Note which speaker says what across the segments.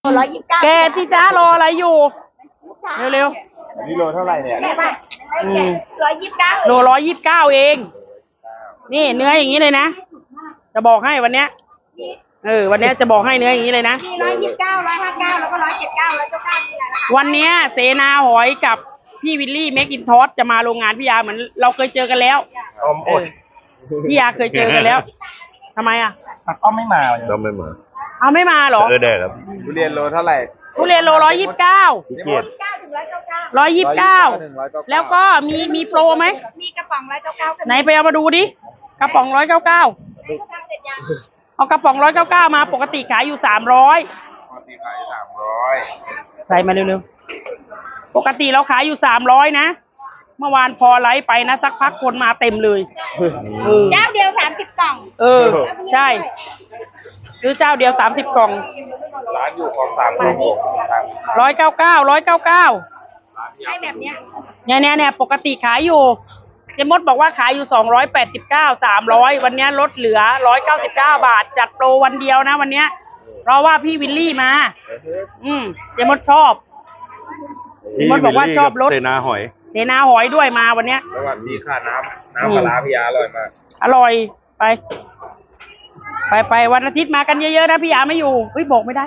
Speaker 1: 129แกที่จ้ารออะไรอยู่เร็ว
Speaker 2: นี่โลเท่าไหร่เนี่ย
Speaker 1: โล129เองนี่เนื้ออย่างนี้เลยนะจะบอกให้วันเนี้ยวันนี้จะบอกให้เนื้ออย่างนี้เลยนะ
Speaker 3: มี129 159แล้วก็179 199นี่แหละนะคะ
Speaker 1: วันนี้เสนาหอยกับพี่วิลลี่เมคอินทอสจะมาโรงงานพี่ยาเหมือนเราเคยเจอกันแล้วพี่ยาเคยเจอกันแล้วทำไมอ่ะ
Speaker 2: ก็ไม่มาก็ไม่มา
Speaker 1: เอาไม่มาเหรอ
Speaker 2: ได้ครับทุเรียนโลเท่าไหร่
Speaker 1: ทุเรียนโล129
Speaker 2: เกียรติ
Speaker 1: 129แล้วก็มีโปรไหม
Speaker 3: มีกระป๋อง199
Speaker 1: ไหนไปเอามาดูดิกระป๋อง199เอากระป๋อง199มาปกติขายอยู่300
Speaker 2: ปกติขาย300
Speaker 1: ใส่มาเร็วๆปกติเราขายอยู่300นะเมื่อวานพอไลฟ์ไปนะสักพักคนมาเต็มเลย
Speaker 3: เจ้าเดียว30 กล่อง
Speaker 1: ใช่ซื้อเจ้าเดียว30 กล่อง
Speaker 2: ร้านอยู่ของ199
Speaker 3: ให้แบบเนี้ย
Speaker 1: เนี่ยปกติขายอยู่เจมดบอกว่าขายอยู่289 300วันนี้ลดเหลือ199 บาทจัดโปรวันเดียวนะวันนี้เพราะว่าพี่วิลลี่มาเจมดชอบเจมดบอกว่าชอบรถ
Speaker 2: เสนาห
Speaker 1: อยด้วยมาวันนี้
Speaker 2: สวัสดีค่ะน้ำปลาพี่ยาอร่อยมาก
Speaker 1: อร่อยไปวันอาทิตย์มากันเยอะๆนะพี่ยาไม่อยู่บอกไม่ได้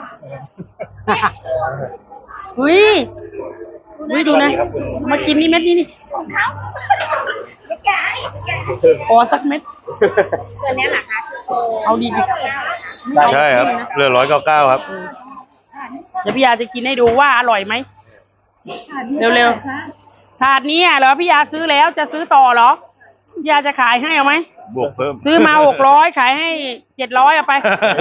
Speaker 1: ดูนะมากินนี่เม็ดนี่
Speaker 3: ของเขาแก
Speaker 1: ขอสักเม็ด
Speaker 3: ตัวนี้เหรอคะ
Speaker 1: เอาดี
Speaker 2: ใช่ครับเรือ199ครับ
Speaker 1: เดี๋ยวพี่ยาจะกินให้ดูว่าอร่อยไหมเร็วๆถาดนี้เหรอพี่ยาซื้อแล้วจะซื้อต่อเหรอพี่ยาจะขายให้เอาไหม
Speaker 2: บวกเพิ่ม
Speaker 1: ซื้อมา600ขายให้700เอาไป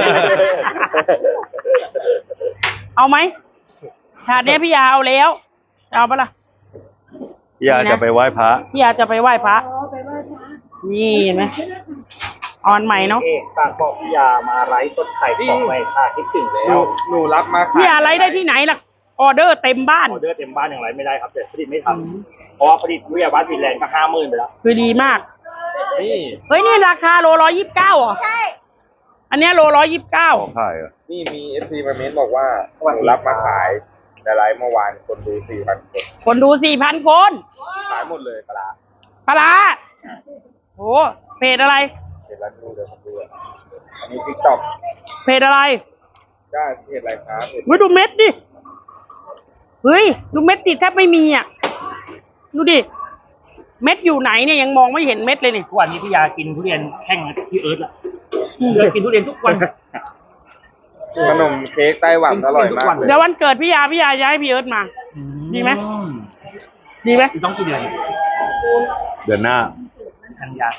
Speaker 1: เอาไหมถาดนี้พี่ยาเอาแล้วเอาปะล่ะ
Speaker 2: พี่ยาจะไปไหว้พระ
Speaker 1: พี่ยาจะไปไหว้พระนี่เห็นไหมออนใหม่เนาะ
Speaker 4: ฝากบอกพี่ยามาไลฟ์ต้นไข่ของใหม่ค่ะคิดถึงแล้ว
Speaker 2: หนูรับมา
Speaker 1: พี่ยาไลฟ์ได้ที่ไหนล่ะออเดอร์เต็มบ้าน
Speaker 4: ออเดอร์เต็มบ้านอย่างไรไม่ได้ครับแต่ผลิตไม่ทันเพราะว่าผลิตวิทยาวัฒน์ฟินแลนด์ก็50,000ไปแล้ว
Speaker 1: คือดีมากนี่ราคาโล129เหรอ
Speaker 3: ใช่
Speaker 1: อันนี้โล129
Speaker 2: ใช่นี่มี FC มาเม้นบอกว่ารับมาขายในไลฟ์เมื่อวานคนดู 4,000
Speaker 1: คนดู 4,000 คน
Speaker 2: ขายหมดเลยปลา
Speaker 1: โอ้เพจอะไร
Speaker 2: เพจร้านดูเดี๋ยวผมดูอันนี้ TikTok
Speaker 1: เพจอะไร
Speaker 2: ได้เพจอะไรครับ
Speaker 1: ดูเม็ดดิดูเม็ดดิแทบไม่มีอ่ะดูดิเม็ดอยู่ไหนเนี่ยยังมองไม่เห็นเม็ดเลยนี่
Speaker 4: ทุกวันนี้พี่ยากินทุเรียนแข่งพี่เอิร์ธอะกินทุเรียนทุกวัน
Speaker 2: ขนมเค้กไต้หวันอร่อยมาก
Speaker 1: เดี๋ยววันเกิดพี่ยาจะให้พี่เอิร์ธมาดีไหม
Speaker 4: ต้องกี่เดือน
Speaker 2: เดือนหน้า
Speaker 4: กันยา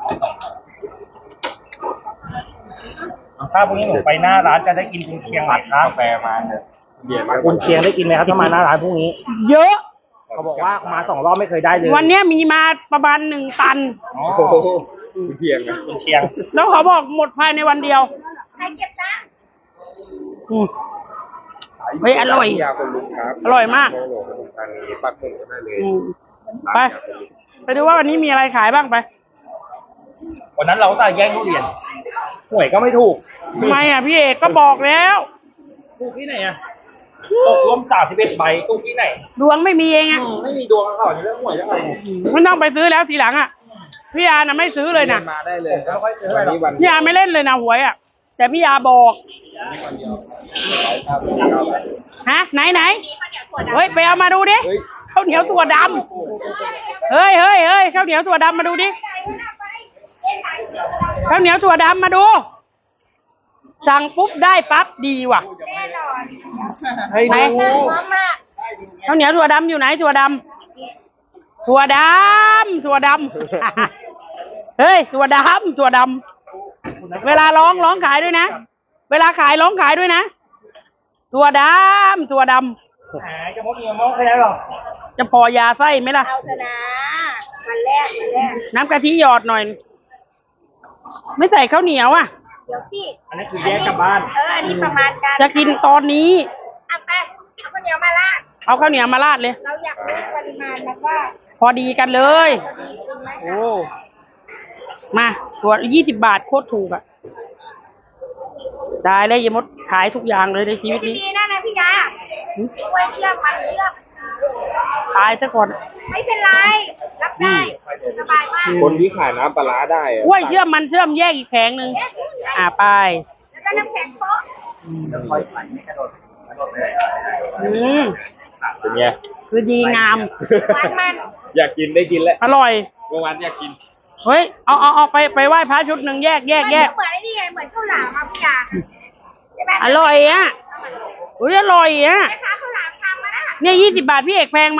Speaker 4: ถ้าพรุ่งนี้ผมไปหน้าร้านจะได้กินกุนเชียงหมัดครับ
Speaker 2: กาแฟมา
Speaker 4: กุนเชียงได้กินไหมครับถ้ามาหน้าร้านพรุ่งนี้
Speaker 1: เยอะ
Speaker 4: เขาบอกว่ามา2 รอบไม่เคยได้เลย
Speaker 1: วันนี้มีมาประมาณ1 ตัน
Speaker 2: กุนเชียง
Speaker 1: แล้วเขาบอกหมดภายในวันเดียว
Speaker 3: ใครเก็บนะ
Speaker 1: อร่อยอร่อยมากไปดูว่าวันนี้มีอะไรขายบ้างไป
Speaker 4: วันนั้นเราก็แย่งทุเรียนหวยก็ไม่ถูก
Speaker 1: ทำไมอ่ะพี่เอกก็บอกแล้ว
Speaker 4: ถูกที่ไหนอ่ะตกล้ม31 ใบถูกที่ไหน
Speaker 1: ดวงไม่มีเองอ่ะ
Speaker 4: ไม่มีดวงเขาเรื่องหวยยังไง
Speaker 1: ไม่ต้องไปซื้อแล้วทีหลังอ่ะพี่ยาน่ะไม่ซื้อเลยนะ
Speaker 2: มาได้เลย
Speaker 1: พี่ยาไม่เล่นเลยนะหวยอ่ะแต่พี่ยาบอกไหนไปเอามาดูดิข้าวเหนียวถั่วดำเฮ้ยข้าวเหนียวถั่วดำมาดูดิข้าวเหนียวถั่วดำมาดูสั่งปุ๊บได้ปั๊บดีว่ะ
Speaker 3: แน่นอน
Speaker 1: ไหนข้าวเหนียวถั่วดำอยู่ไหนถั่วดำเฮ้ยถั่วดำเวลาร้องขายด้วยนะเวลาขายร้องขายด้วยนะถั่วดำ
Speaker 4: จะมดเงินมองใครได้หรอ
Speaker 1: จะพอยาไส้ไหมล่ะ
Speaker 3: เอาเถอะนะมันแรก
Speaker 1: น้ำกะทิหยอดหน่อยไม่ใส่ข้าวเหนียวอ่ะ
Speaker 3: เดี๋ยวสิ
Speaker 4: อันนี้คือแยกกลับบ้าน
Speaker 3: อันนี้ประมาณกัน
Speaker 1: จะกินตอนนี้
Speaker 3: เอาไปเอาข้าวเหนียวมาราด
Speaker 1: เลย
Speaker 3: เราอยากรู้ปริมาณมันว่า
Speaker 1: พอดีกันเลยโอ้มาตัว20 บาทโคตรถูกอ่ะได้เลยยายมดขายทุกอย่างเลยในชีวิต
Speaker 3: ที่
Speaker 1: นี้
Speaker 3: ดีนั่นนะพี่ยาช่วยเชื่อมมันเชื่อม
Speaker 1: ขายซะก่อน
Speaker 3: ไม่เป็นไร รับได้สบายมาก
Speaker 2: คนที่ขายน้ำปลาร้าได้อะ
Speaker 1: กล้วยเชื่อมมันเชื่อมแยกอีกแผงหนึ่งไป
Speaker 3: แล้วก็น้ำแข็งโป๊ะ
Speaker 1: อืม
Speaker 2: เป็นไง
Speaker 1: คือดีงาม
Speaker 3: หวานมัน
Speaker 2: อยากกินได้กินแล้ว
Speaker 1: อร่อย
Speaker 2: เมื่อวานอยากกิน
Speaker 1: เฮ้ยเอาไปไหว้พระชุดหนึ่งแยก
Speaker 3: เหมือนไอ้นี่ไงเหมือนข้าวหลามอ่ะพี่ยาใช่ไหม
Speaker 1: อร่อยอ่ะอุ้ยอร่อยอ่ะ
Speaker 3: แม่ค้าข้าวหลามทำมานะ
Speaker 1: เนี่ย20 บาทพี่เอกแพงไหม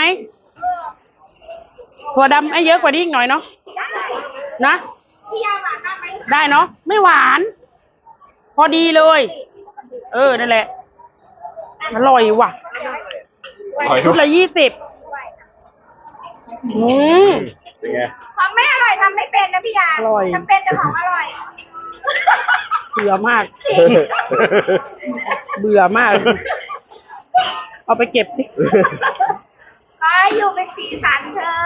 Speaker 1: ถั่วดำไอ้เยอะกว่านี้อีกหน่อยเนาะ
Speaker 3: ได้
Speaker 1: นะ
Speaker 3: พี่ยาหวานมากไหม
Speaker 1: ได้เนาะไม่หวาน พอดีเลย นั่นแหละอร่อยว่ะชุดละ20
Speaker 2: เป็นไง
Speaker 3: ของไม่อร่อยทำไม่เป็นนะพี่ยา
Speaker 1: อร่อย
Speaker 3: ทำเป็นแต่ของอร่อย
Speaker 1: เบื่อมาก เบื่อมาก เอาไปเก็บดิ
Speaker 3: ขอให้อยู่เป็นสีสันเธอ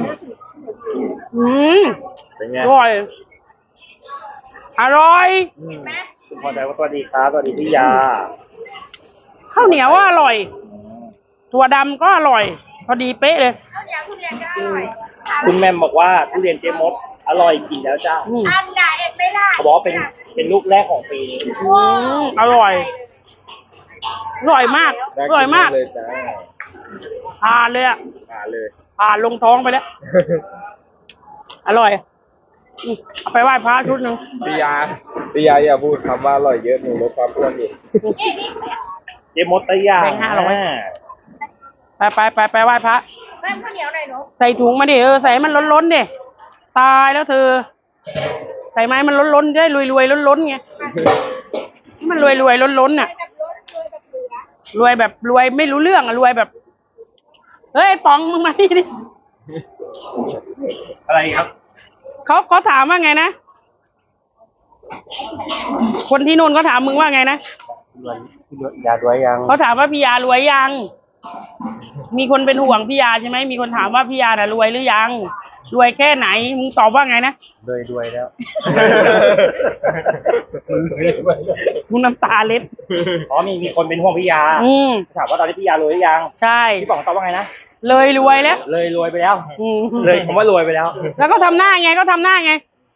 Speaker 2: เป็นไง
Speaker 1: อร่อย อร่อย
Speaker 3: เห็นไหม
Speaker 4: คุณพอใจว่าสวัสดีครับสวัสดีพี่ยา
Speaker 1: ข้าวเหนียวก็อร่อย ถั่วดำก็อร่อย พอดีเป๊ะเลย
Speaker 3: ข้าวเหนียวทุเรียนก็อร่อย
Speaker 4: คุณแม่มบอกว่าทุเรียนเจมดอร่อยกินแล้วจ้า
Speaker 3: อันด่าเอ็ดไม่ได้
Speaker 4: เขาบอกว่าเป็นลูกแรกของปีนี้
Speaker 1: อร่อย อร่อยมาก
Speaker 2: น่
Speaker 1: อร่อยมาก
Speaker 2: เลยจ้า
Speaker 1: ผ่านเลยอ่ะ
Speaker 2: มาเลย
Speaker 1: ผ่านลงท้องไปแล้ว อร่อยเอาไปไหว้พระชุดหนึ่ง
Speaker 2: พี่ยาอย่าพูดคำว่าอร่อยเยอะหนูลดความอ้วนอยู่
Speaker 3: นี่นี่
Speaker 4: เจมดตะยาง
Speaker 1: ไปไหว้พระ
Speaker 3: เพิ่มข้าวเหนียวหน่อยหนู
Speaker 1: ใส่ถุงมาดิใส่ให้มันล้นๆดิตายแล้วเธอ ใส่ไม้มันล้นๆได้รวยๆล้นๆไงให้มันรวยๆล้นๆน่ะ
Speaker 3: แบบรถรวยแบบเหลือ
Speaker 1: รวยแบบรวยไม่รู้เรื่องอะรวยแบบ เฮ้ยปองมึงมานี่ดิ
Speaker 4: อะไรครับ
Speaker 1: เขาถามว่าไงนะ คนที่นู่นเขาถามมึงว่าไงนะ
Speaker 4: ยาด้วยยัง
Speaker 1: เขาถามว่าพี่ยารวยยัง มีคนเป็นห่วงพี่ยาใช่ไหมมีคนถามว่าพี่ยาน่ะรวยหรือยัง รวยแค่ไหน มึงตอบว่าไงนะ
Speaker 4: ด้วยแล้ว
Speaker 1: มึงน้ำตาเล็ด
Speaker 4: อ๋อมีคนเป็นห่วงพี่ยา ถามว่าตอนนี้พี่ยารวยหรือยัง
Speaker 1: ใช่
Speaker 4: พี่ป๋องตอบว่าไงนะ
Speaker 1: เลยรวยแล้ว
Speaker 4: เลยรวยไปแล้ว
Speaker 1: อืม
Speaker 4: เลยผมว่ารวยไปแล้ว
Speaker 1: แล้วก็ทำหน้าไงก็ทำหน้าไง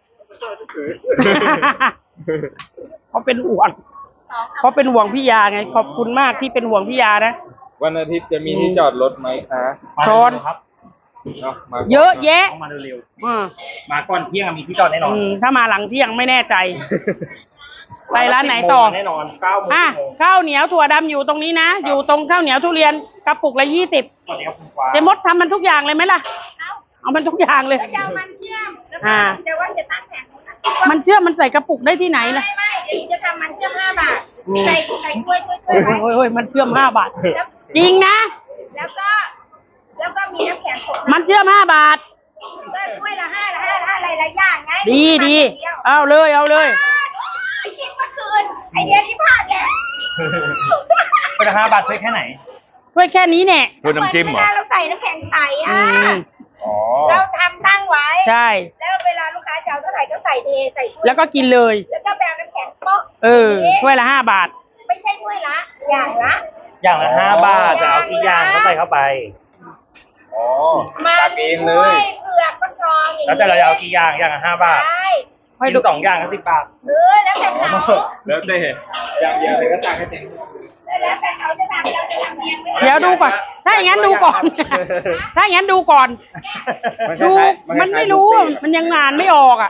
Speaker 1: เขาเป็นห่วงเขาเป็นห่วงพี่ยาไง ขอบคุณมากที่เป็นห่วงพี่ยานะ
Speaker 2: วันอาทิตย์จะมีที่จอดรถไหมคะ
Speaker 1: ชอน
Speaker 4: ครับ
Speaker 2: เนาะมา
Speaker 1: เยอะแยะ
Speaker 4: ต้องมาเร็ว
Speaker 1: อืม
Speaker 4: ๆมาก่อนเที่ยงมีที่จอดแน่นอน
Speaker 1: ถ้ามาหลังเที่ยงไม่แน่ใจ ไปร้านไหนต่อ
Speaker 4: แน่นอน9 โมง
Speaker 1: ข้าวเหนียวถั่วดำอยู่ตรงนี้นะ อยู่ตรงข้าวเหนียวทุเรียนกระปุกละ20
Speaker 4: สวัสดีครับคุณฟ้า
Speaker 1: เจมดทำมันทุกอย่างเลยไหมล่ะ เอามันทุกอย่างเลย
Speaker 3: แล้วจะเอามันเชื่อมแล้วก็เดี๋ยวว่าจะตั้งแผงนู้นนะ
Speaker 1: มันเชื่อมมันใส่กระปุกได้ที่ไหนล่ะ
Speaker 3: ไม่เดี๋ยวจะทำมันเชื่อม5 บาท ใส่กล้วยไว้
Speaker 1: เฮ้ยมันเชื่อม5 บาท
Speaker 3: แล้ว
Speaker 1: จริงนะ
Speaker 3: แล้วก็มีน้ำแข็งตก
Speaker 1: มันเชื่อม5 บาท
Speaker 3: ก็ถ้วยละ5อะไรหลายอย่างไง
Speaker 1: ดีเอาเลย
Speaker 3: คิดเมื่อคืนไอเดียที่ผ่านแล้ว
Speaker 4: เป็น5 บาทช่วยแค่ไหน
Speaker 1: ถ้วยแค่นี้แน่
Speaker 2: พูดน้ำจิ้มเหรอ
Speaker 3: เวลาเราใส่น้ำแข็งใส
Speaker 1: อืม
Speaker 2: อ๋อ
Speaker 3: เราทำตั้งไว้
Speaker 1: ใช่
Speaker 3: แล้วเวลาลูกค้าจะเอาเท่าไหร่ก็ใส่เทใส่ถ้วย
Speaker 1: แล้วก็กินเลย
Speaker 3: แล้วก็แบบน้ำแข็งโป๊ะ
Speaker 1: ถ้วยละ5 บาท
Speaker 3: ไม่ใช่ถ้วยละ อย่างละ
Speaker 4: อย่างละ5 บาทจะเอากี่อย่างก็ใส่เข้าไป
Speaker 2: อ๋อ
Speaker 3: มั
Speaker 2: ตั
Speaker 3: น
Speaker 2: กเอง
Speaker 3: ก
Speaker 2: เล
Speaker 3: ล้วย ยเผือกฟักทองอย่างนี้
Speaker 4: แล้วแต่เราจะเอากี่อย่างอย่างละ5 บาท
Speaker 3: ใช่
Speaker 1: ให้
Speaker 4: กิน
Speaker 1: ดู
Speaker 4: 2 อย่างก็10 บาท
Speaker 3: แล้วแต่เขา
Speaker 2: แล้วแต่อย่างเดียวเลยก็ตักให้เต็ม
Speaker 3: แล้วแต่เขาจะทำเราจะทำเองไม่
Speaker 1: เดี๋ยวดูก่อน ถ้าอย่างนั้นดูก่อน ถ้าอย่างนั้นดูก่อน ดูมันไม่รู้อะมันยังงานไม่ออกอ่ะ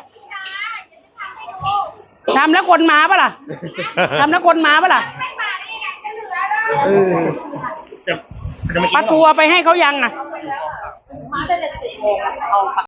Speaker 1: ทำแล้วคนมาปะล่ะทำแล้วคนมาปะล่ะ
Speaker 3: ไม่มาได้ยังไงจะเหลือแล้ว
Speaker 4: จะไม่กิน
Speaker 1: ปลา
Speaker 4: หรอ
Speaker 1: ทัวไปให้เขายังอ่ะ
Speaker 3: มาแต่7 โมง